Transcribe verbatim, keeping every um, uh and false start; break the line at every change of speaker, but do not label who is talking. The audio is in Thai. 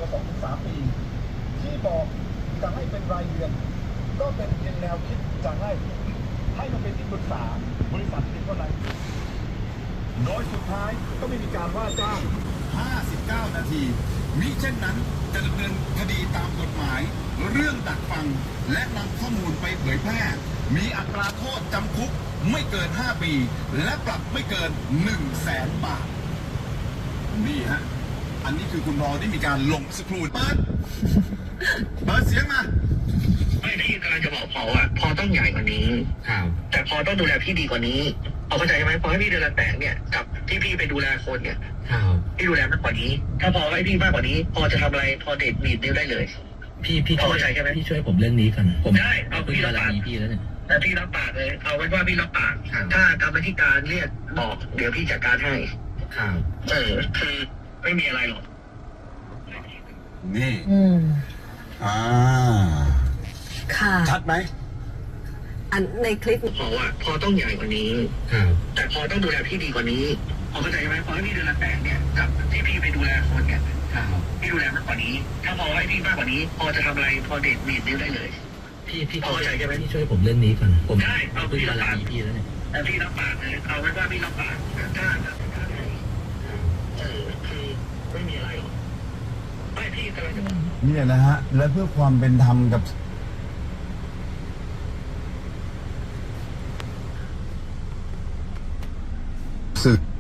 ว่าสองถึงสามปีที่บอกจะให้เป็นรายเดือนก็เป็นเพียงแนวคิดจะให้ให้มันเป็นที่ปรึกษาบริษัทเพียงเท่านั้นโดยสุดท้ายก็ไม่มีการว่าจ้างห้าสิบเก้านาทีมิเช่นนั้นจะดำเนินคดีตามกฎหมายเรื่องดักฟังและนำข้อมูลไปเผยแพร่มีอัตราโทษจำคุกไม่เกินห้าปีและปรับไม่เกินหนึ่งแสนบาทนี่ฮะอันนี้คือคุณรอได้มีการลงสกรูดเปิดเปิดเสียงมา
ไม่พี่กำลังจะบอกพอว่าพอต้องใหญ่กว่านี้ครับแต่พอต้องดูแลพี่ดีกว่านี้เอาเข้าใจไหมพอให้พี่เดือนละแสนเนี่ยกับที่พี่ไปดูแลคนเนี่ยครับพี่ดูแลมากกว่านี้ถ้าพอให้พี่มากกว่านี้พอจะทำอะไรพอเด็ดบีดนิ้วได้เลยพี่พี่เข้าใจใช่ไหมพี่ช่วยผมเรื่องนี้กันผมได้เอาพี่รับปากพี่แล้วเนี่ยแต่พี่รับปากเลยเอาไว้ว่าพี่รับปากถ้ากรรมธิการเรียกบอกเดี๋ยวพี่จัดการให้ครับเออคือไม่มีอะไรหรอก
นี่
อืม
อ่า
ค่ะ
ชัดไหม
อันในคลิป
พอว่าพอต้องใหญ่กว่านี้ครับแต่พอต้องดูแลพี่ดีกว่านี้พอเข้าใจไหมพอให้พี่เดือนละแสนเนี่ยกับที่พี่ไปดูแลคนเนี่ยครับพี่ดูแลมากกว่านี้ถ้าพอให้พี่มากกว่านี้พอจะทำอะไรพอเด็ดบีดนิ้วได้เลยพี่พี่เข้าใจใช่ไหมพี่ช่วยผมเรื่องนี้ก่อนผมได้เอาพี่รับปากพี่แล้วเนี่ยแต่พี่รับปากเลยเอาไว้ว่าพี่รับปากถ้าเออคือไม่มีอะไรหรอกไม่พี่กำลังจะบอก
เนี่ยนะฮะและเพื่อความเป็นธรรมกับศึก